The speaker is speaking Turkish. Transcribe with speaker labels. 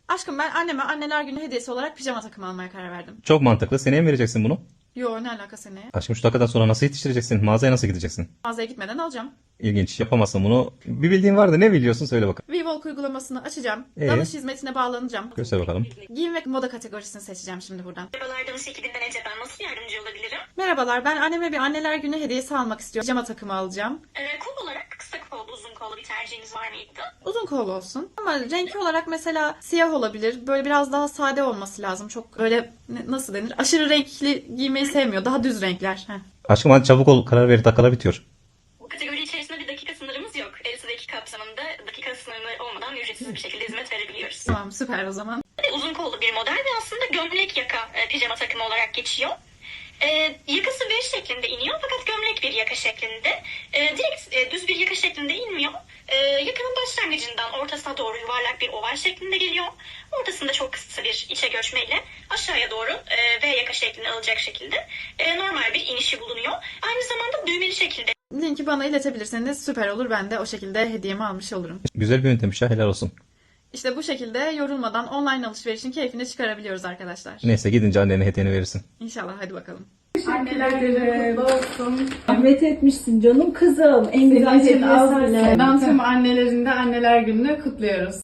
Speaker 1: Aşkım ben anneme anneler günü hediyesi olarak pijama takımı almaya karar verdim.
Speaker 2: Çok mantıklı. Seneye mi vereceksin bunu?
Speaker 1: Yo ne alaka seneye?
Speaker 2: Aşkım şu dakikadan sonra nasıl yetiştireceksin? Mağazaya nasıl gideceksin?
Speaker 1: Mağazaya gitmeden alacağım.
Speaker 2: İlginç. Yapamazsın bunu. Bir bildiğin vardı. Ne biliyorsun? Söyle bakalım.
Speaker 1: WeWalk uygulamasını açacağım.
Speaker 2: Ee?
Speaker 1: Danış hizmetine bağlanacağım.
Speaker 2: Göster bakalım.
Speaker 1: Giyim ve moda kategorisini seçeceğim şimdi buradan.
Speaker 3: Merhabalar, Danış ekibinden Ece, ben nasıl yardımcı olabilirim?
Speaker 1: Merhabalar, ben anneme bir anneler günü hediyesi almak istiyorum. Pijama takımı alacağım.
Speaker 3: Kol olarak kısa kollu, uzun kollu bir tercihiniz var mıydı?
Speaker 1: Uzun kollu olsun. Ama renk olarak mesela siyah olabilir. Böyle biraz daha sade olması lazım. Çok böyle nasıl denir? Aşırı renkli giymeyi sevmiyor. Daha düz renkler. Heh.
Speaker 2: Aşkım hadi çabuk ol. Karar ver. Dakikalar bitiyor.
Speaker 3: Bu kategori içerisinde bir dakika sınırımız yok. 50 dakika kapsamında dakika sınırı olmadan ücretsiz bir şekilde hizmet verebiliyoruz.
Speaker 1: Tamam süper o zaman.
Speaker 3: Uzun kollu bir model ve aslında gömlek yaka pijama takımı olarak geçiyor. Yakası V şeklinde iniyor fakat gömlek bir yaka şeklinde. Direkt düz bir yaka şeklinde inmiyor. Yakanın başlangıcından ortasına doğru yuvarlak bir oval şeklinde geliyor. Ortasında çok kısa bir içe göçmeyle aşağıya doğru V yaka şeklinde alacak şekilde normal bir inişi bulunuyor. Aynı zamanda düğmeli şekilde.
Speaker 1: Linki bana iletebilirseniz süper olur. Ben de o şekilde hediyemi almış olurum.
Speaker 2: Güzel bir yöntemmiş ya. Helal olsun.
Speaker 1: İşte bu şekilde yorulmadan online alışverişin keyfini çıkarabiliyoruz arkadaşlar.
Speaker 2: Neyse gidince annene hediyeni verirsin.
Speaker 1: İnşallah hadi bakalım.
Speaker 4: Anneler günü kutlu olsun.
Speaker 5: Zahmet etmişsin canım kızım. En
Speaker 4: Senin
Speaker 5: güzel
Speaker 4: için
Speaker 5: hediye
Speaker 4: az
Speaker 5: sensin.
Speaker 4: bile. Ben tüm annelerin de anneler gününü kutluyoruz.